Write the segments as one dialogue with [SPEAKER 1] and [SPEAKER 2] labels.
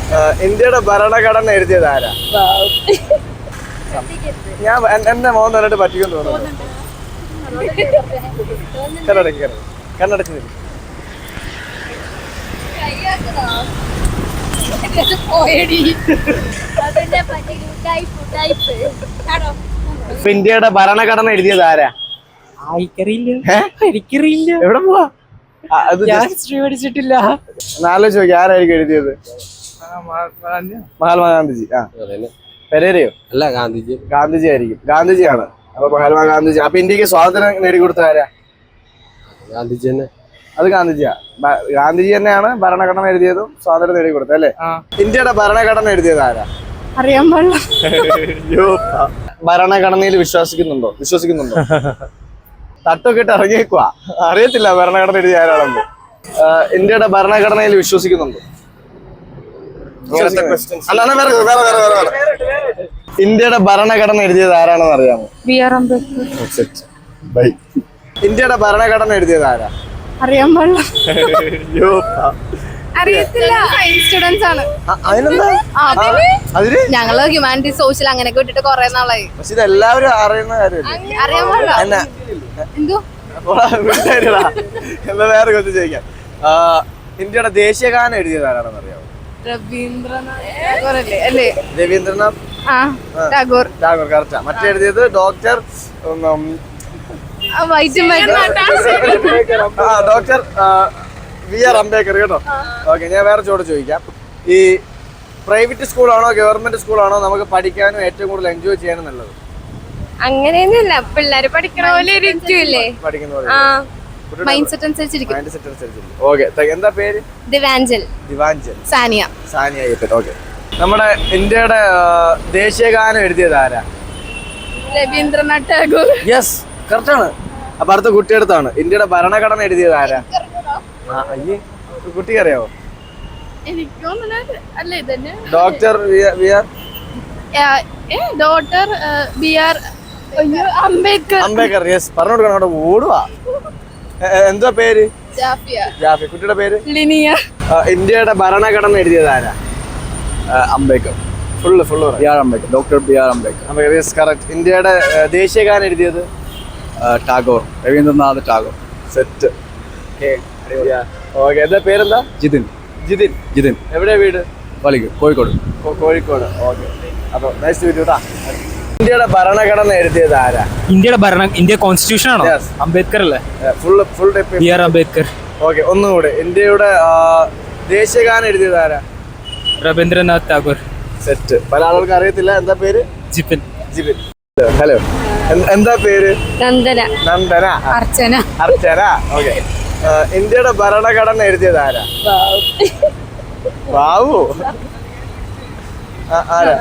[SPEAKER 1] ഇന്ത്യയുടെ ഭരണഘടന എഴുതിയത് ആരാ? ഞാൻ എന്നെ മോൻ പറഞ്ഞിട്ട് പറ്റിക്കും തോന്നുന്നു. കണ്ണടച്ച് നിൽക്കും. ഇന്ത്യയുടെ ഭരണഘടന എഴുതിയത് ആരാ?
[SPEAKER 2] എനിക്കറിയില്ല.
[SPEAKER 1] എവിടെ പോവാ?
[SPEAKER 2] പഠിച്ചിട്ടില്ല.
[SPEAKER 1] ആലോചിച്ച് നോക്കി, ആരായിരിക്കും എഴുതിയത്? മഹാത്മാഗാന്ധിജി. പെരേരയോ?
[SPEAKER 2] അല്ല, ഗാന്ധിജി.
[SPEAKER 1] ഗാന്ധിജി ആയിരിക്കും. ഗാന്ധിജിയാണ്. അപ്പൊ മഹാത്മാഗാന്ധിജി. അപ്പൊ ഇന്ത്യക്ക് സ്വാതന്ത്ര്യം നേടിക്കൊടുത്ത ആരാ?
[SPEAKER 2] ഗാന്ധിജി തന്നെ.
[SPEAKER 1] അത് ഗാന്ധിജിയാ. ഗാന്ധിജി തന്നെയാണ് ഭരണഘടന എഴുതിയതും സ്വാതന്ത്ര്യം നേടിക്കൊടുത്തത് അല്ലേ? ഇന്ത്യയുടെ ഭരണഘടന എഴുതിയത് ആരാ?
[SPEAKER 3] അറിയാൻ പാടില്ല.
[SPEAKER 1] ഭരണഘടനയിൽ വിശ്വസിക്കുന്നുണ്ടോ? തട്ടൊക്കെ ഇട്ട് ഇറങ്ങിയേക്കുവാ. അറിയത്തില്ല ഭരണഘടന എഴുതിയ ആരാണെന്ന്. ഇന്ത്യയുടെ ഭരണഘടനയിൽ വിശ്വസിക്കുന്നുണ്ടോ? ഇന്ത്യയുടെ ഭരണഘടന എഴുതിയത് ആരാണെന്ന് അറിയാമോ?
[SPEAKER 3] ബി.ആർ. അംബേദ്കർ.
[SPEAKER 1] ഇന്ത്യയുടെ ഭരണഘടന എഴുതിയത് ആരാ?
[SPEAKER 3] അറിയാൻ പാടില്ല. അറിയത്തില്ല. സ്റ്റുഡൻസ് ആണ്. ഞങ്ങള് ഹ്യൂമാനിറ്റീസ്, സോഷ്യൽ അങ്ങനെയൊക്കെ വിട്ടിട്ട് കൊറേ നാളായി.
[SPEAKER 1] പക്ഷെ ഇത് എല്ലാവരും അറിയുന്ന കാര്യമല്ലേ?
[SPEAKER 3] അറിയാൻ പാടില്ല. എന്തോ
[SPEAKER 1] എന്താ വേറെ കുറച്ച് ചോദിക്കാം. ഇന്ത്യയുടെ ദേശീയഗാനം എഴുതിയത് ആരാണെന്ന് അറിയാമോ? രവീന്ദ്രനാഥ്
[SPEAKER 3] ടാഗോർ.
[SPEAKER 1] കറക്റ്റാ. മറ്റേ എഴുതിയത് ഡോക്ടർ ബി.ആർ. അംബേദ്കർ കേട്ടോ. ഓക്കെ, ഞാൻ വേറെ ചോദിക്കാം. ഈ പ്രൈവറ്റ് സ്കൂളാണോ ഗവൺമെന്റ് സ്കൂളാണോ നമുക്ക് പഠിക്കാനും ഏറ്റവും കൂടുതൽ എൻജോയ് ചെയ്യാനും നല്ലത്?
[SPEAKER 3] അങ്ങനെയൊന്നുമില്ല, പിള്ളേര് പഠിക്കണ പോലെ
[SPEAKER 1] പഠിക്കുന്ന പോലെ.
[SPEAKER 3] മൈൻഡ് സെറ്റ് അനുസരിച്ചിരിക്കും.
[SPEAKER 1] ഓക്കെ, എന്താ പേര്?
[SPEAKER 3] ദിവാഞ്ചൽ. സാനിയ.
[SPEAKER 1] ഓക്കെ. നമ്മുടെ ഇന്ത്യയുടെ ദേശീയഗാനം എഴുതിയത് ആരാ?
[SPEAKER 3] രവീന്ദ്രനാഥ് ടാഗോർ.
[SPEAKER 1] യെസ്, കറക്റ്റാണ്. അപ്പൊ അടുത്ത കുട്ടിയെടുത്താണ്. ഇന്ത്യയുടെ ഭരണഘടന എഴുതിയത് ആരാ? അയ്യേ, കുട്ടിക്ക് അറിയാവോ? Doctor
[SPEAKER 3] BR.
[SPEAKER 1] അംബേദ്കർ. യെസ്, പറഞ്ഞു കൊടുക്കണം. അവിടെ ഓടുവാ. എന്താ പേര്? ജാഫി. കുട്ടിയുടെ പേര്?
[SPEAKER 3] ലിനിയ.
[SPEAKER 1] ഇന്ത്യയുടെ ഭരണഘടന എഴുതിയത് ആരാ?
[SPEAKER 2] Ambedkar.
[SPEAKER 1] Full
[SPEAKER 2] BR. Ambedkar. Doctor BR. Ambedkar.
[SPEAKER 1] Yes, correct. ഇന്ത്യയുടെ ദേശീയഗാനം എഴുതിയത്?
[SPEAKER 2] ടാഗോർ. രവീന്ദ്രനാഥ് ടാഗോർ.
[SPEAKER 1] സെറ്റ്. ഓക്കെ, എന്താ പേരെന്താ? ജിതിൻ. എവിടെയാ വീട്?
[SPEAKER 2] കോഴിക്കോട്.
[SPEAKER 1] ഓക്കെ. അപ്പൊ നൈസ് ടു മീറ്റ് യു. ഇന്ത്യയുടെ ഭരണഘടന എഴുതിയത് ആരാ?
[SPEAKER 4] ഇന്ത്യ കോൺസ്റ്റിറ്റ്യൂഷൻ ആണോ? അംബേദ്കർ അല്ലേ?
[SPEAKER 1] Full
[SPEAKER 4] BR. അംബേദ്കർ.
[SPEAKER 1] ഓക്കെ, ഒന്നുകൂടെ. ഇന്ത്യയുടെ ദേശീയഗാനം എഴുതിയത് ആരാ?
[SPEAKER 4] രവീന്ദ്രനാഥ് ടാഗോർ.
[SPEAKER 1] സെറ്റ്. പല ആളുകൾക്ക് അറിയത്തില്ല. എന്താ പേര്?
[SPEAKER 4] ജിപിൻ.
[SPEAKER 1] ഹലോ, എന്താ പേര്?
[SPEAKER 3] നന്ദന. അർച്ചന.
[SPEAKER 1] ഓക്കെ. ഇന്ത്യയുടെ ഭരണഘടന എഴുതിയത് ആരാ? ബാബു. ആരാ?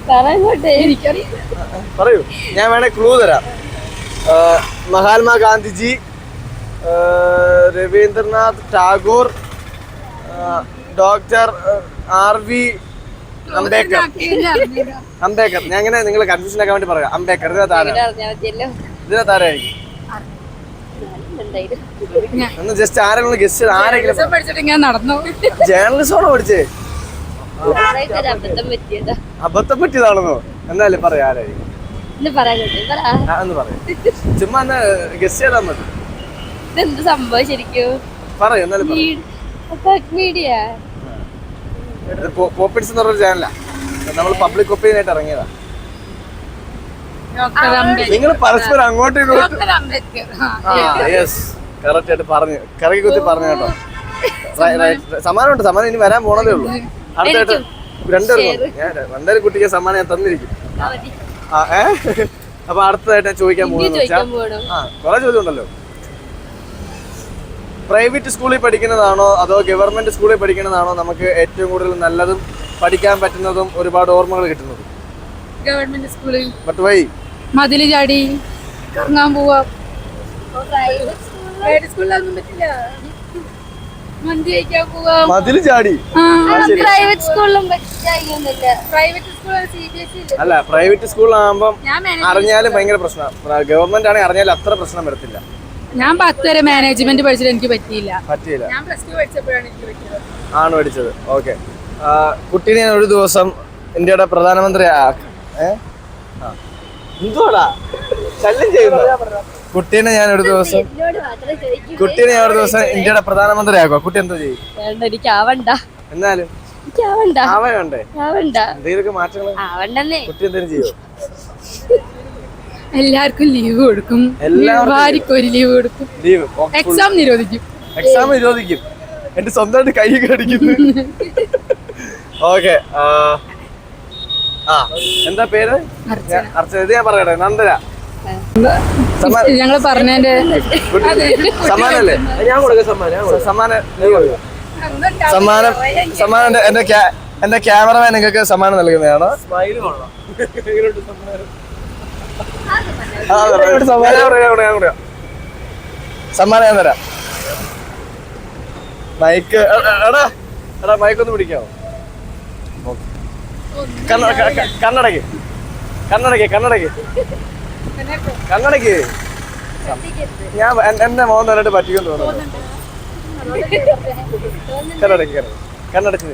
[SPEAKER 1] പറയൂ, ഞാൻ വേണേ ക്ലൂ തരാം. മഹാത്മാഗാന്ധിജി, രവീന്ദ്രനാഥ് ടാഗോർ, ഡോക്ടർ ആർ.വി. അംബേദ്കർ. ഞാൻ അങ്ങനെ നിങ്ങൾ കൺഫ്യൂഷൻ ആക്കാൻ വേണ്ടി പറയാം. അംബേദ്കർ. ഇതിനകത്ത് ആരായിരിക്കും? ഒന്ന് ജസ്റ്റ് ആരെങ്കിലും ഗസ്റ്റ് ആരെങ്കിലും. ജേർണലിസമാണോ പഠിച്ചേ? അബദ്ധം പറ്റിയതാണെന്നോ? എന്നാലും പറയാം ആരായിരിക്കും. ഒന്ന് പറയാം. ചുമ്മാ എന്നാ ഗസ്റ്റ് ചെയ്താൽ മതി.
[SPEAKER 3] സംഭവം ശരിക്കും
[SPEAKER 1] പറയൂ. എന്നാലും പോപ്പിൻസ് എന്ന് പറഞ്ഞൊരു ചാനലാ. നമ്മൾ പബ്ലിക് ഒപ്പീനിയനായിട്ട് ഇറങ്ങിയതാ. നിങ്ങൾ പരസ്പരം അങ്ങോട്ടും ഇങ്ങോട്ടും. യെസ്, കറക്റ്റ് ആയിട്ട് പറഞ്ഞു. കറക്കി കുത്തി പറഞ്ഞു കേട്ടോ. സമ്മാനം ഇനി വരാൻ പോണതേ ഉള്ളൂ. അടുത്തായിട്ട് രണ്ടുപേരും കുട്ടിക്ക് സമ്മാനം ഞാൻ തന്നിരിക്കും. അപ്പൊ അടുത്തതായിട്ട് ഞാൻ ചോദിക്കാൻ പോകുന്നത് കുറെ ചോദ്യം ഉണ്ടല്ലോ. പ്രൈവറ്റ് സ്കൂളിൽ പഠിക്കുന്നതാണോ അതോ ഗവൺമെന്റ് സ്കൂളിൽ പഠിക്കുന്നതാണോ നമുക്ക് ഏറ്റവും കൂടുതൽ നല്ലതും പഠിക്കാൻ പറ്റുന്നതും ഒരുപാട് ഓർമ്മകൾ കിട്ടുന്നതും?
[SPEAKER 3] ഗവൺമെന്റ് സ്കൂളിൽ.
[SPEAKER 1] But why?
[SPEAKER 3] മതില് ചാടി കറങ്ങാൻ പോവാ.
[SPEAKER 1] മതില് ചാടി. അല്ല, പ്രൈവറ്റ് സ്കൂളിലാകുമ്പം അറിഞ്ഞാലും ഭയങ്കര പ്രശ്നം. ഗവൺമെന്റ് ആണെങ്കിൽ അറിഞ്ഞാലും അത്ര പ്രശ്നം വരത്തില്ല.
[SPEAKER 3] ഞാൻ 10 വരെ മാനേജ്മെന്റ് പഠിച്ചിട്ട് എനിക്ക് പറ്റിയില്ല.
[SPEAKER 1] ഞാൻ പ്ലസ് 2 പഠിച്ചപ്പോഴാണ് എനിക്ക് പറ്റിയത്. ആണ് പഠിച്ചത്. ഓക്കെ. കുട്ടീനെ ഞാൻ ഒരു ദിവസം ഇന്ത്യയുടെ പ്രധാനമന്ത്രി എന്തുവാടാ ശല്യം ചെയ്യുന്നു. കുട്ടീനെ ഞാൻ ഒരു ദിവസം ഇന്ത്യയുടെ പ്രധാനമന്ത്രി ആക്കുക. കുട്ടി എന്തോ ചെയ്യും? എന്നാലും ആവണ്ടേ? എന്തെങ്കിലുമൊക്കെ മാറ്റങ്ങൾ കുട്ടി എന്തെങ്കിലും ചെയ്യോ?
[SPEAKER 3] എല്ലാവർക്കും ലീവ് കൊടുക്കും, ഭാര്യക്ക് ഒരു ലീവ് കൊടുക്കും,
[SPEAKER 1] ലീവ്
[SPEAKER 3] എക്സാം നിരോധിക്കും.
[SPEAKER 1] എന്റെ സ്വന്തമായിട്ട് കൈ കടിക്കുന്നു. ഓക്കെ, എന്താ പേര്? അർച്ചന. ഇത് ഞാൻ പറയട്ടെ, നന്ദന.
[SPEAKER 3] ഞങ്ങള് പറഞ്ഞതിന്റെ
[SPEAKER 1] സമ്മാനല്ലേ? ഞാൻ കൊടുക്കാം സമ്മാനം. എന്റെ ക്യാമറമാൻ നിങ്ങൾക്ക് സമ്മാനം നൽകുന്നതാണ്. സമ്മാനം ഞാൻ തരാം. മൈക്ക് മൈക്കൊന്ന് പിടിക്കാമോ? കണ്ണടക്ക്. ഞാൻ എന്റെ മോൻ തന്നിട്ട് പറ്റിക്കും തോന്നുന്നു. കണ്ണടച്ച്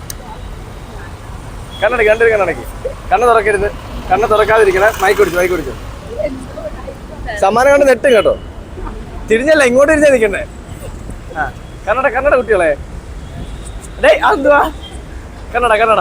[SPEAKER 1] കണ്ണ് തുറക്കരുത്. കണ്ണ് തുറക്കാതിരിക്കണേ. മൈക്ക് പിടിച്ചു. സമ്മാനം കൊണ്ട് നെട്ടും കേട്ടോ. തിരിഞ്ഞല്ല, ഇങ്ങോട്ട് തിരിഞ്ഞാ നിൽക്കണ്ടേ. കന്നഡ കുട്ടികളെ. ഡേയ് അതെന്തുവാ? കന്നഡ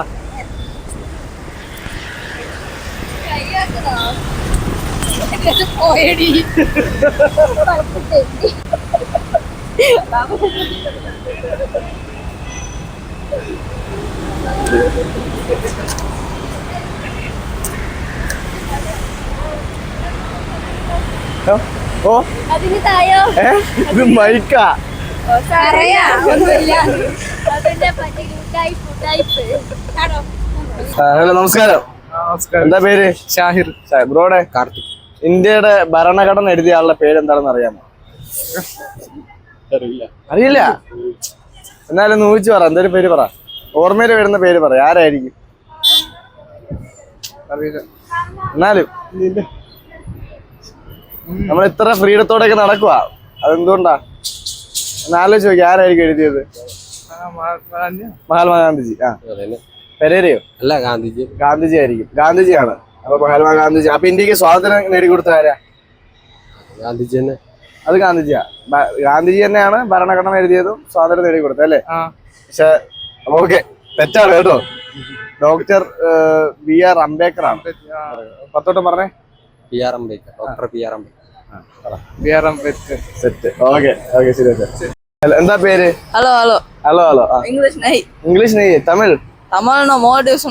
[SPEAKER 1] ഓ ഇത് മൈക്കാ. ഹലോ, നമസ്കാരം. എന്താ പേര്?
[SPEAKER 2] ഷാഹിർ.
[SPEAKER 1] ബ്രോടെ കാർത്തിക്. ഇന്ത്യയുടെ ഭരണഘടന എഴുതിയ ആളുടെ പേര് എന്താണെന്ന് അറിയാമോ? അറിയില്ല? എന്നാലും ഊഹിച്ചു പറ. എന്തൊരു പേര് പറ. ഓർമ്മയിൽ വരുന്ന പേര് പറ. ആരായിരിക്കും? എന്നാലും നമ്മൾ ഇത്ര ഫ്രീഡത്തോടെയൊക്കെ നടക്കുക, അതെന്തുകൊണ്ടാ? എന്നാലോചിച്ച് നോക്കി, ആരായിരിക്കും എഴുതിയത്? മഹാത്മാഗാന്ധിജി. പെരേരയോ? അല്ല, ഗാന്ധിജി ആയിരിക്കും. ഗാന്ധിജിയാണ്. അപ്പൊ മഹാത്മാഗാന്ധിജി. അപ്പൊ ഇന്ത്യക്ക് സ്വാതന്ത്ര്യം നേടിക്കൊടുത്ത ആരാ? ഗാന്ധിജി തന്നെ. അത് ഗാന്ധിജിയാ. ഗാന്ധിജി തന്നെയാണ് ഭരണഘടന എഴുതിയതും സ്വാതന്ത്ര്യം നേടിക്കൊടുത്തത് അല്ലേ? പക്ഷെ ഓക്കെ, തെറ്റാണ് കേട്ടോ. ഡോക്ടർ BR അംബേദ്കർ ആണ്. പത്തോട്ടം പറഞ്ഞേ. Doctor BR Ambedkar. Set. Okay, ശരി. എന്താ പേര്? ഹലോ. ഇംഗ്ലീഷ് നെയ്. Tamil?
[SPEAKER 5] no, Maldives.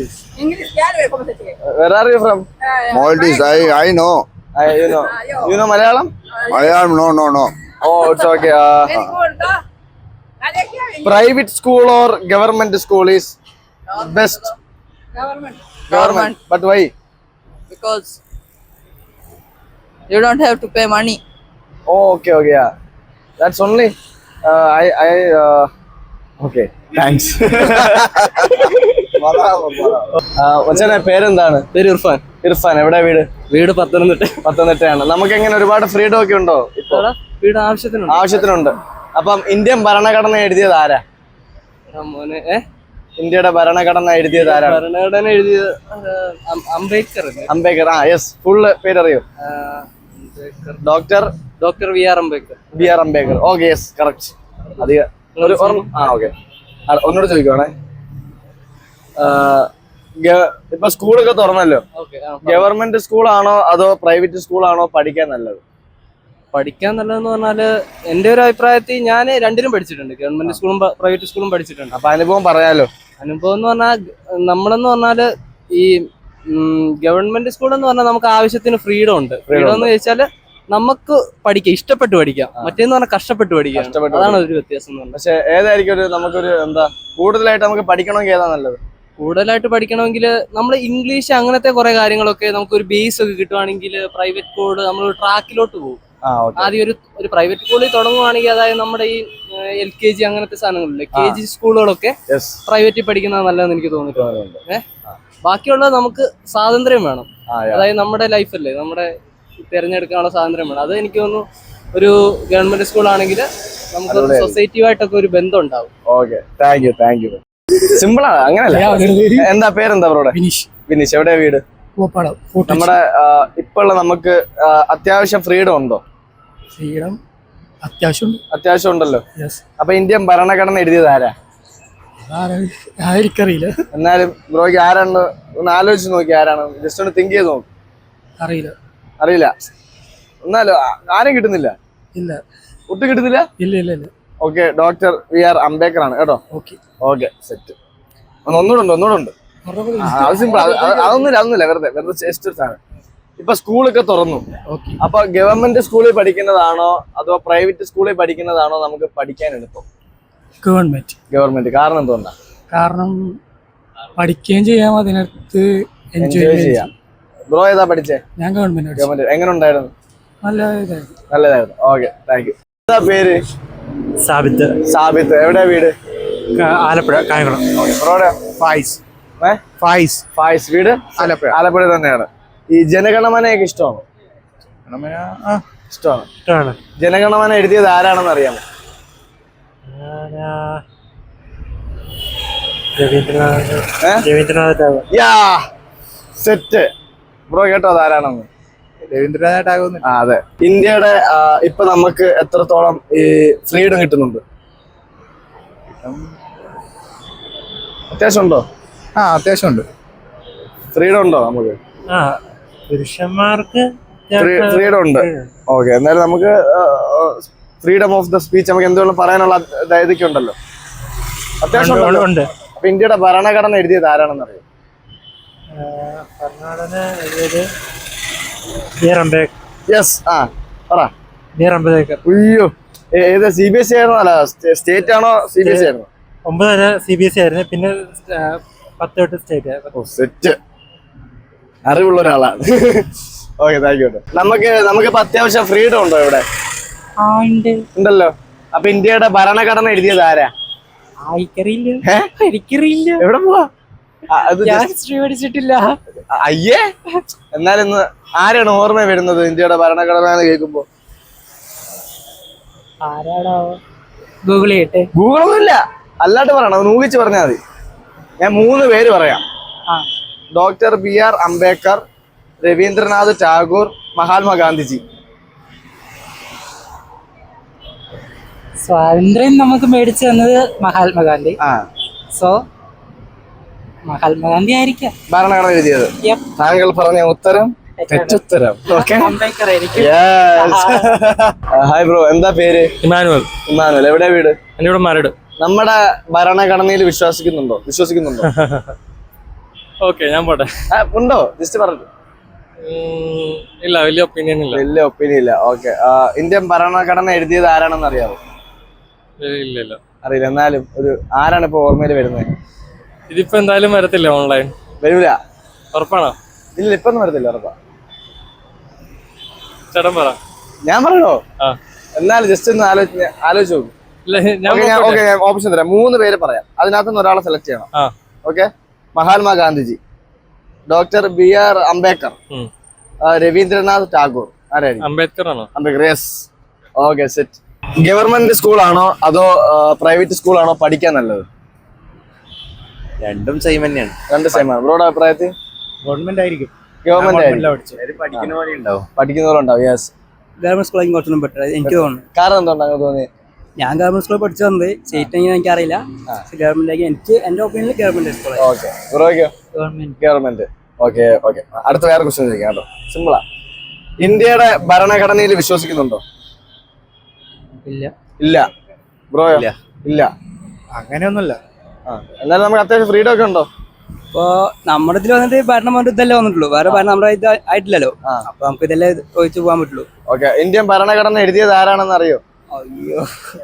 [SPEAKER 1] Where are you from?
[SPEAKER 6] Maldives, I know.
[SPEAKER 1] You know Malayalam?
[SPEAKER 6] No.
[SPEAKER 1] Oh, it's okay. Private school or government school is best? Government. But why?
[SPEAKER 5] Because you don't have to pay money.
[SPEAKER 1] Oh, okay, yeah. That's only. Okay, thanks. മച്ചാനെ പേരെന്താണ്?
[SPEAKER 4] പേര് ഇർഫാൻ.
[SPEAKER 1] എവിടെ വീട്?
[SPEAKER 4] വീട് പത്തനംതിട്ടയാണ്.
[SPEAKER 1] നമുക്ക് എങ്ങനെ ഒരുപാട് freedom ഒക്കെ ഉണ്ടോ?
[SPEAKER 4] വീട് ആവശ്യത്തിനുണ്ട്.
[SPEAKER 1] അപ്പം ഇന്ത്യൻ ഭരണഘടന എഴുതിയത് ആരാ? ഇന്ത്യയുടെ ഭരണഘടന എഴുതിയത് ആരാ?
[SPEAKER 4] ഭരണഘടന എഴുതിയത്
[SPEAKER 1] അംബേദ്കർ. യെസ്. ഫുള്ള് പേരറിയോ? Doctor
[SPEAKER 4] BR
[SPEAKER 1] Ambedkar. Okay, yes, correct. അധികം ഓക്കെ. ഒന്നുകൂടെ ചോദിക്കുവാണേ. ഇപ്പൊ സ്കൂളൊക്കെ തുറന്നല്ലോ. ഗവൺമെന്റ് സ്കൂളാണോ അതോ പ്രൈവറ്റ് സ്കൂളാണോ പഠിക്കാൻ നല്ലത്?
[SPEAKER 4] പഠിക്കാൻ നല്ലതെന്ന് പറഞ്ഞാല് എന്റെ ഒരു അഭിപ്രായത്തിൽ ഞാൻ രണ്ടിലും പഠിച്ചിട്ടുണ്ട്. ഗവൺമെന്റ് സ്കൂളും പ്രൈവറ്റ് സ്കൂളും പഠിച്ചിട്ടുണ്ട്.
[SPEAKER 1] അപ്പൊ അനുഭവം പറയാലോ.
[SPEAKER 4] അനുഭവം എന്ന് പറഞ്ഞാൽ നമ്മളെന്ന് പറഞ്ഞാല് ഈ ഗവൺമെന്റ് സ്കൂൾ എന്ന് പറഞ്ഞാൽ നമുക്ക് ആവശ്യത്തിന് ഫ്രീഡം ഉണ്ട്. ഫ്രീഡം എന്ന് ചോദിച്ചാല് നമുക്ക് പഠിക്കാം, ഇഷ്ടപ്പെട്ട് പഠിക്കാം. മറ്റേന്ന് പറഞ്ഞാൽ കഷ്ടപ്പെട്ട് പഠിക്കാം. അതാണ് ഒരു വ്യത്യാസം.
[SPEAKER 1] പക്ഷെ ഏതായിരിക്കും നമുക്കൊരു എന്താ കൂടുതലായിട്ട് നമുക്ക് പഠിക്കണമെങ്കിൽ ഏതാ നല്ലത്?
[SPEAKER 4] കൂടുതലായിട്ട് പഠിക്കണമെങ്കിൽ നമ്മൾ ഇംഗ്ലീഷ് അങ്ങനത്തെ കുറെ കാര്യങ്ങളൊക്കെ നമുക്കൊരു ബേസ് ഒക്കെ കിട്ടുവാണെങ്കിൽ പ്രൈവറ്റ് സ്കൂള് നമ്മൾ ട്രാക്കിലോട്ട് പോകും. ആദ്യം ഒരു പ്രൈവറ്റ് സ്കൂളിൽ തുടങ്ങുവാണെങ്കിൽ, അതായത് നമ്മുടെ ഈ LKG അങ്ങനത്തെ സാധനങ്ങളില്ലേ, KG സ്കൂളുകളൊക്കെ പ്രൈവറ്റിൽ പഠിക്കുന്നത് നല്ലതെന്ന് എനിക്ക് തോന്നിയിട്ടുണ്ട്. ബാക്കിയുള്ളത് നമുക്ക് സ്വാതന്ത്ര്യം വേണം. അതായത് നമ്മുടെ ലൈഫല്ലേ, നമ്മുടെ തിരഞ്ഞെടുക്കാനുള്ള സ്വാതന്ത്ര്യം വേണം. അത് എനിക്ക് തോന്നുന്നു ഒരു ഗവൺമെന്റ് സ്കൂൾ ആണെങ്കിൽ നമുക്ക് സൊസൈറ്റിയുമായിട്ടൊക്കെ ഒരു ബന്ധം ഉണ്ടാവും.
[SPEAKER 1] Okay, thank you. സിമ്പിളാണ്, അങ്ങനല്ല. എന്താ പേരെന്താ ബ്രോടെ?
[SPEAKER 3] ഫിനിഷ്
[SPEAKER 1] വിനീഷ്. എവിടെയാ വീട്?
[SPEAKER 3] പോപ്പാടം
[SPEAKER 1] നമ്മുടെ ഇപ്പൊ ഉള്ള നമുക്ക് അത്യാവശ്യം ഫ്രീഡം ഉണ്ടോ?
[SPEAKER 3] ഫ്രീഡം അത്യാവശ്യം
[SPEAKER 1] അത്യാവശ്യം ഉണ്ടല്ലോ.
[SPEAKER 3] യെസ്.
[SPEAKER 1] അപ്പൊ ഇന്ത്യൻ ഭരണഘടന എഴുതിയത് ആരാ?
[SPEAKER 3] എനിക്കറിയില്ല.
[SPEAKER 1] എന്നാലും ബ്രോയ്ക്ക് ആരാണ് ഒന്ന് ആലോചിച്ച് നോക്കി, ആരാണ്? ജസ്റ്റ് ഒന്ന് തിങ്ക് ചെയ്ത് നോക്ക്.
[SPEAKER 3] അറിയില്ല.
[SPEAKER 1] അറിയില്ല. എന്നാലും ആരും കിട്ടുന്നില്ല?
[SPEAKER 3] ഇല്ല.
[SPEAKER 1] ഒട്ടും കിട്ടുന്നില്ല?
[SPEAKER 3] ഇല്ല ഇല്ല ഇല്ല.
[SPEAKER 1] Okay, doctor B R Ambedkar ആണ് കേട്ടോ.
[SPEAKER 3] Okay
[SPEAKER 1] okay, set. ഒന്നുകൂടെ ഉണ്ട്. അത് സിമ്പിൾ. അതൊന്നുമില്ല, വെറുതെ ജസ്റ്റ് സാധനം. ഇപ്പൊ സ്കൂളൊക്കെ തുറന്നു.
[SPEAKER 3] ഓക്കെ.
[SPEAKER 1] അപ്പൊ ഗവൺമെന്റ് സ്കൂളിൽ പഠിക്കുന്നതാണോ അതോ പ്രൈവറ്റ് സ്കൂളിൽ പഠിക്കുന്നതാണോ നമുക്ക് പഠിക്കാൻ എളുപ്പം? ഗവൺമെന്റ്. കാരണം എന്തുകൊണ്ടാ?
[SPEAKER 3] കാരണം പഠിക്കുകയും ചെയ്യാം, അതിനകത്ത്
[SPEAKER 1] എൻജോയ് ചെയ്യാം. ബ്രോ ഏതാ പഠിച്ചേ?
[SPEAKER 3] ഞാൻ ഗവൺമെന്റ്.
[SPEAKER 1] എങ്ങനെ ഉണ്ടായിരുന്നു? നല്ലതായിരുന്നു. Okay, thank you. എന്താ പേര്? സാബിത്ത്. എവിടെയാ വീട്?
[SPEAKER 7] ആലപ്പുഴ കായംകുളം.
[SPEAKER 1] ബ്രോയുടെ? ഫായിസ്. വീട് ആലപ്പുഴ തന്നെയാണ്. ഈ ജനഗണമനയൊക്കെ ഇഷ്ടമാണോ? ഇഷ്ടമാണ്. ജനഗണമന എഴുതിയത് ആരാണെന്ന് അറിയാമോ?
[SPEAKER 7] രവീന്ദ്രനാഥ്.
[SPEAKER 1] സെറ്റ്. ബ്രോ കേട്ടോ അത് ആരാണെന്ന്?
[SPEAKER 2] രവീന്ദ്രനാഥ് ടാഗോർ.
[SPEAKER 1] അതെ. ഇന്ത്യയുടെ ഇപ്പൊ നമുക്ക് എത്രത്തോളം ഈ ഫ്രീഡം കിട്ടുന്നുണ്ട്? അത്യാവശ്യം ഉണ്ടോ?
[SPEAKER 2] അത്യാവശ്യം ഉണ്ട്.
[SPEAKER 1] ഫ്രീഡം ഉണ്ടോ നമുക്ക്?
[SPEAKER 7] പുരുഷന്മാർക്ക്
[SPEAKER 1] ഫ്രീഡം ഉണ്ട്. ഓക്കെ, എന്നാലും നമുക്ക് ഫ്രീഡം ഓഫ് ദ സ്പീച്ച് നമുക്ക് എന്തുകൊണ്ടും പറയാനുള്ള ഇതൊക്കെ ഉണ്ടല്ലോ, അത്യാവശ്യം ഉണ്ട്. അപ്പൊ ഇന്ത്യയുടെ ഭരണഘടന എഴുതിയത് ആരാണെന്ന് അറിയാം?
[SPEAKER 7] ഭരണഘടന എഴുതിയത് ബി.ആർ. അംബേദ്കർ.
[SPEAKER 1] യെസ്. പറ.
[SPEAKER 7] ബി.ആർ. അംബേദ്കർ.
[SPEAKER 1] അയ്യോ, ഏത് CBSE ആയിരുന്നോ? അല്ല, സ്റ്റേറ്റ് ആണോ? CBSE ആയിരുന്നു.
[SPEAKER 7] 9 വരെ CBSE ആയിരുന്നു, പിന്നെ 10 തൊട്ട് സ്റ്റേറ്റ്.
[SPEAKER 1] സെറ്റ്. അറിവുള്ള ഒരാളാണ്. Okay, thank you. നമുക്കിപ്പോ അത്യാവശ്യം ഫ്രീഡം ഉണ്ടോ ഇവിടെ? ഉണ്ടല്ലോ. അപ്പൊ ഇന്ത്യയുടെ ഭരണഘടന എഴുതിയത് ആരാ?
[SPEAKER 3] എനിക്കറിയില്ല.
[SPEAKER 1] എവിടെ പോവാ?
[SPEAKER 3] പഠിച്ചിട്ടില്ല.
[SPEAKER 1] അയ്യേ. എന്നാലിന്ന് ആരാണ് ഓർമ്മ വരുന്നത് ഇന്ത്യയുടെ ഭരണഘടന എന്ന് കേൾക്കുമ്പോ?
[SPEAKER 3] ഗൂഗിൾ ചെയ്യട്ടെ.
[SPEAKER 1] ഗൂഗിളൊന്നുമില്ല, അല്ലാണ്ട് പറയണം, ഊഹിച്ച് പറഞ്ഞാൽ മതി. ഞാൻ 3 പേര് പറയാം. Doctor BR. അംബേദ്കർ, രവീന്ദ്രനാഥ് ടാഗോർ, മഹാത്മാഗാന്ധിജി.
[SPEAKER 3] സ്വാതന്ത്ര്യം നമുക്ക് മേടിച്ചു തന്നത് മഹാത്മാഗാന്ധി. സോ മഹാത്മാഗാന്ധി ആയിരിക്കാം
[SPEAKER 1] ഭരണഘടന എഴുതിയത്. താങ്കൾ പറഞ്ഞ ഉത്തരം തെറ്റുത്തരം. ഹായ് ബ്രോ, എന്താ പേര്?
[SPEAKER 7] ഇമാനുവൽ.
[SPEAKER 1] എവിടെയാ വീട്?
[SPEAKER 7] എന്റെ ഇവിടെ മരട്.
[SPEAKER 1] നമ്മുടെ ഭരണഘടനയിൽ വിശ്വസിക്കുന്നുണ്ടോ?
[SPEAKER 7] ഓക്കെ, ഞാൻ പോട്ടെ.
[SPEAKER 1] ഉണ്ടോ? ജസ്റ്റ് പറഞ്ഞു.
[SPEAKER 7] ഇല്ല, വലിയ ഒപ്പീനിയൻ
[SPEAKER 1] ഇല്ല. ഓക്കെ. ഇന്ത്യൻ ഭരണഘടന എഴുതിയത് ആരാണെന്ന് അറിയാമോ?
[SPEAKER 7] ഇല്ല.
[SPEAKER 1] അറിയില്ല. എന്നാലും ഒരു ആരാണ് ഇപ്പൊ ഓർമ്മയിൽ വരുന്നത്?
[SPEAKER 7] ഇതിപ്പോ എന്തായാലും വരത്തില്ല, ഓൺലൈൻ
[SPEAKER 1] വരൂല.
[SPEAKER 7] ഉറപ്പാണോ?
[SPEAKER 1] ഇല്ല, ഇപ്പൊന്നും വരത്തില്ല, ഉറപ്പാ.
[SPEAKER 7] ചേട്ടൻ പറ.
[SPEAKER 1] ഞാൻ പറയണോ? എന്നാലും ജസ്റ്റ് ഒന്ന് ആലോചിച്ച് നോക്കും. ഞാൻ ഓപ്ഷൻ തരാം. 3 പേര് പറയാം, അതിനകത്തുനിന്ന് ഒരാളെ സെലക്ട് ചെയ്യണം. Okay. Mahatma Gandhiji, doctor BR. Ambedkar, Ravindranath Tagore. ആരായിരിക്കും?
[SPEAKER 7] അംബേദ്കർ ആണോ?
[SPEAKER 1] Ambedkar. Yes. Okay, set. Government സ്കൂളാണോ അതോ പ്രൈവറ്റ് സ്കൂളാണോ പഠിക്കാൻ നല്ലത്?
[SPEAKER 2] രണ്ടും സെയിം തന്നെയാണ്.
[SPEAKER 1] രണ്ട് സെയിം ആണ്. ബ്രോയുടെ അഭിപ്രായത്തിൽ?
[SPEAKER 2] ഗവൺമെന്റ് ആയിരിക്കും.
[SPEAKER 1] പഠിക്കുന്നവരുണ്ടാവും. യെസ്.
[SPEAKER 3] ഗവൺമെന്റ് സ്കൂളായിരിക്കും കുറച്ചൊന്നും ബെറ്റർ എനിക്ക് തോന്നുന്നു.
[SPEAKER 1] കാരണം എന്തുകൊണ്ടാണ് തോന്നിയത്?
[SPEAKER 3] ഞാൻ ഗവൺമെന്റ് സ്കൂളിൽ പഠിച്ചു വന്നത്, സ്റ്റേറ്റ് എങ്ങനെ എനിക്കറിയില്ല. ഗവൺമെന്റ് എനിക്ക് എന്റെ ഒപ്പീനിയനിൽ ഗവൺമെന്റ് സ്കൂൾ.
[SPEAKER 1] ഓക്കെ. ബ്രോയ്ക്കോ? ഗവൺമെന്റ്. ഓക്കെ. അടുത്ത വേറെ ക്വസ്റ്റ്യൻ ചോദിക്കാം കേട്ടോ, സിമ്പിളാ. ഇന്ത്യയുടെ ഭരണഘടനയിൽ വിശ്വസിക്കുന്നുണ്ടോ? ഇല്ല. ബ്രോയോ? ഇല്ല.
[SPEAKER 2] അങ്ങനെയൊന്നുമില്ല.
[SPEAKER 1] എന്നാലും നമുക്ക് അത്യാവശ്യം ഫ്രീഡം ഒക്കെ ഉണ്ടോ?
[SPEAKER 3] ഇപ്പൊ നമ്മുടെ ഇതിൽ വന്നിട്ട് ഭരണം കൊണ്ട് ഇതല്ലേ വന്നിട്ടുള്ളൂ, വേറെ ഭരണം നമ്മുടെ ഇത് ആയിട്ടില്ലല്ലോ. അപ്പൊ നമുക്ക് ഇതല്ലേ ഒഴിച്ചു പോകാൻ പറ്റുള്ളൂ.
[SPEAKER 1] ഓക്കെ. ഇന്ത്യൻ ഭരണഘടന എഴുതിയത് ആരാണെന്ന് അറിയോ?
[SPEAKER 3] അയ്യോ,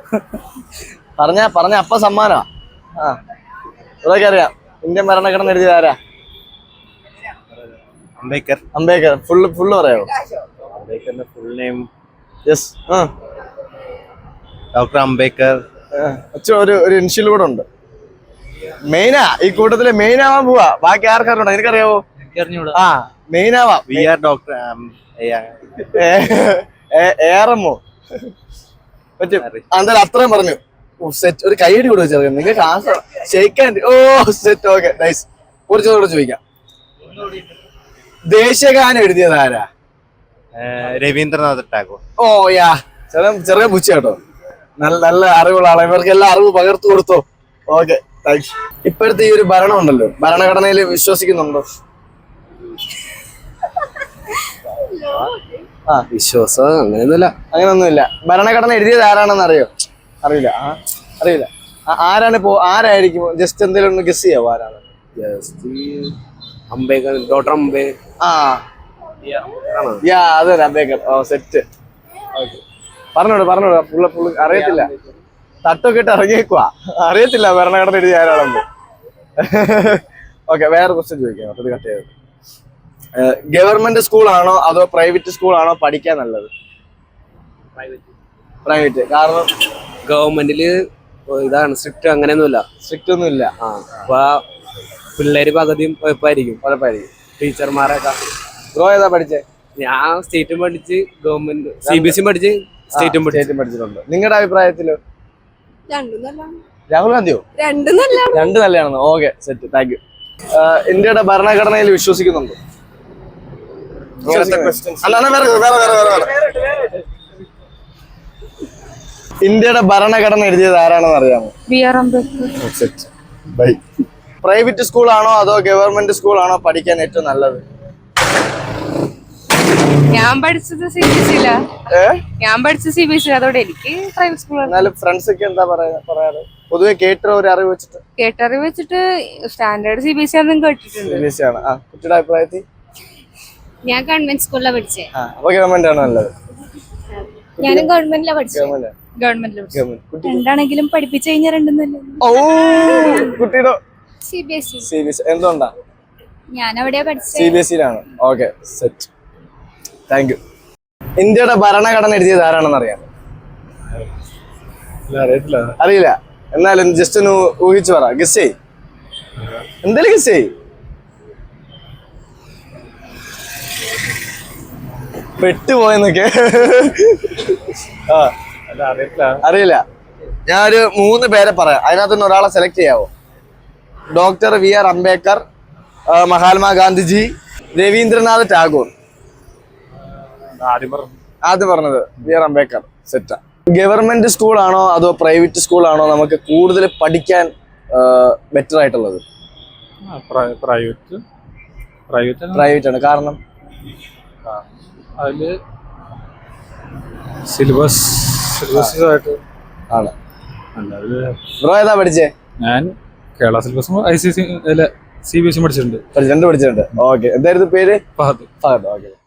[SPEAKER 1] പറഞ്ഞ അപ്പ സമ്മാനാ. ഇതൊക്കെ അറിയാം. ഇന്ത്യൻ ഭരണഘടന എഴുതിയത് ആരാ? അംബേദ്കർ. ഫുള്ള് പറയാമോ?
[SPEAKER 2] അംബേദ്കറിന്റെ full name?
[SPEAKER 1] Yes.
[SPEAKER 2] Doctor Ambedkar.
[SPEAKER 1] ഒരു ഇൻഷ്യൽ കൂടെ ഉണ്ട്. മെയിനാ, ഈ കൂട്ടത്തില് മെയിൻ ആവാൻ പോവാ. ബാക്കി ആർക്കാരുണ്ടോ? എനിക്കറിയാവോ? മെയിൻ ആവാം.
[SPEAKER 2] ഡോക്ടർ
[SPEAKER 1] ഏറമോ പറ്റും. എന്തായാലും അത്രയും പറഞ്ഞു. സെറ്റ്. ഒരു കൈയടി കൂടെ വെച്ചേർക്കാം നിങ്ങൾക്ക്. ഷെയ്ക്കാൻ. ഓ സെറ്റ്. Okay nice. കുറച്ചുകൂടെ ചോദിക്കാം. ദേശീയഗാനം എഴുതിയത് ആരാ?
[SPEAKER 2] രവീന്ദ്രനാഥ് ടാഗോർ.
[SPEAKER 1] ഓ യാ, ചെറിയ പുച്ച കേട്ടോ. നല്ല അറിവുള്ള ആളെ. ഇവർക്ക് എല്ലാ അറിവ് പകർത്തു കൊടുത്തോ. Okay thanks. ഇപ്പോഴത്തെ ഈ ഒരു ഭരണം ഉണ്ടല്ലോ, ഭരണഘടനയിൽ വിശ്വസിക്കുന്നുണ്ടോ? ആ, വിശ്വാസം അങ്ങനെയൊന്നുമില്ല. ഭരണഘടന എഴുതിയത് ആരാണെന്ന് അറിയോ? അറിയില്ല. അറിയില്ല. ആരാണ് ഇപ്പോ? ആരായിരിക്കും? ജസ്റ്റ് എന്തെങ്കിലും ഒന്ന് ഗസ് ചെയ്യാവോ ആരാണ്?
[SPEAKER 3] അംബേദ്കർ, ഡോക്ടർ അംബേദ്കർ.
[SPEAKER 1] ആ യാ, അതെ അംബേദ്കർ. ഓ സെറ്റ്. പറഞ്ഞോട് പുള്ളി അറിയത്തില്ല. തട്ടൊക്കെ ഇട്ട് ഇറങ്ങിയേക്കുവാ. അറിയത്തില്ല ഭരണഘടന എഴുതിയ ആരാണെന്ന്. ഓക്കെ, വേറെ ക്വസ്റ്റ്യൻ ചോദിക്കാം. അത് കട്ട് ചെയ്തത്. ഗവൺമെന്റ് സ്കൂളാണോ അതോ പ്രൈവറ്റ് സ്കൂളാണോ പഠിക്കാൻ നല്ലത്? പ്രൈവറ്റ്. കാരണം
[SPEAKER 3] ഗവൺമെന്റില് ഇതാണ് സ്ട്രിക്റ്റ്, അങ്ങനെയൊന്നുമില്ല.
[SPEAKER 1] സ്ട്രിക്റ്റ് ഒന്നും ഇല്ല.
[SPEAKER 3] അപ്പൊ പിള്ളേര് പകുതിയും കുഴപ്പമായിരിക്കും. ടീച്ചർമാരൊക്കെ.
[SPEAKER 1] ബ്രോ ഏതാ പഠിച്ചേ?
[SPEAKER 3] ഞാൻ സ്റ്റേറ്റും പഠിച്ച് ഗവൺമെന്റ് CBSE പഠിച്ച് സ്റ്റേറ്റും
[SPEAKER 1] പഠിച്ചിട്ടുണ്ട്. നിങ്ങളുടെ അഭിപ്രായത്തിലോ? രാഹുൽ ഗാന്ധിയോ? രണ്ട് നല്ലതാണെന്ന്. Okay set. Thank you. ഇന്ത്യയുടെ ഭരണഘടനയിൽ വിശ്വസിക്കുന്നുണ്ടോ? ഇന്ത്യയുടെ ഭരണഘടന എഴുതിയത് ആരാണെന്ന് അറിയാമോ? പ്രൈവറ്റ് സ്കൂളാണോ അതോ ഗവൺമെന്റ് സ്കൂളാണോ പഠിക്കാൻ ഏറ്റവും നല്ലത്?
[SPEAKER 8] ഞാൻ പഠിച്ചത് CBSE അതോടെ എനിക്ക് പ്രൈവറ്റ് സ്കൂൾ.
[SPEAKER 1] എന്നാലും ഫ്രണ്ട്സ് ഒക്കെ എന്താ പറയാറ്? പൊതുവെ കേട്ട ഒരു അറിവ് വെച്ചിട്ട്
[SPEAKER 8] കേട്ടറിവ് വെച്ചിട്ട് സ്റ്റാൻഡേർഡ് CBSE ആണെന്ന് കേട്ടിട്ടുണ്ട്.
[SPEAKER 1] CBSE ആണ്. കുട്ടിയുടെ അഭിപ്രായത്തിൽ?
[SPEAKER 8] ഞാൻ ഗവൺമെന്റ് സ്കൂളിലാണ് പഠിച്ചത്.
[SPEAKER 1] അപ്പൊ ഗവൺമെന്റ് ആണ് നല്ലത്.
[SPEAKER 8] ഞാനും ഗവൺമെന്റിലാണ് പഠിച്ചത്. ഗവൺമെന്റിൽ രണ്ടാണെങ്കിലും പഠിപ്പിച്ചു കഴിഞ്ഞാൽ രണ്ടും നല്ലത്.
[SPEAKER 1] ഓ, കുട്ടിയുടെ
[SPEAKER 8] CBSE.
[SPEAKER 1] എന്തുകൊണ്ടാ?
[SPEAKER 8] ഞാൻ അവിടെയാ പഠിച്ചത്.
[SPEAKER 1] CBSE-യിലാണ്. Okay set. Thank you. ഇന്ത്യയുടെ ഭരണഘടന എഴുതിയത് ആരാണെന്ന് അറിയാമോ? അറിയില്ല. എന്നാലും ജസ്റ്റ് ഒന്ന് ഊഹിച്ചു പറ. ഗസ് ചെയ്. എന്തായാലും ഗസ് ചെയ്. പെട്ടുപോയെന്നൊക്കെ. അറിയില്ല. ഞാനൊരു 3 പേരെ പറയാം. അതിനകത്തുനിന്ന് ഒരാളെ select ചെയ്യാവോ? Doctor VR Ambedkar, Mahatma Gandhiji, Ravindranath Tagore. ആദ്യം പറഞ്ഞത് VR അംബേദ്കർ. സെറ്റാ. ഗവൺമെന്റ് സ്കൂളാണോ അതോ പ്രൈവറ്റ് സ്കൂളാണോ നമുക്ക് കൂടുതൽ പഠിക്കാൻ ബെറ്റർ ആയിട്ടുള്ളത്? പ്രൈവറ്റ് ആണ്. കാരണം
[SPEAKER 7] അതില് സിലബസ്
[SPEAKER 1] ആണ്. ബ്രോ ഏതാ പഠിച്ചേ?
[SPEAKER 7] ഞാൻ കേരള സിലബസും CBSE പഠിച്ചിട്ടുണ്ട്.
[SPEAKER 1] പഠിച്ചിട്ടുണ്ട്. ഓക്കെ. എന്തായിരുന്നു പേര്?
[SPEAKER 7] ഫഹദ്.
[SPEAKER 1] ഓക്കെ.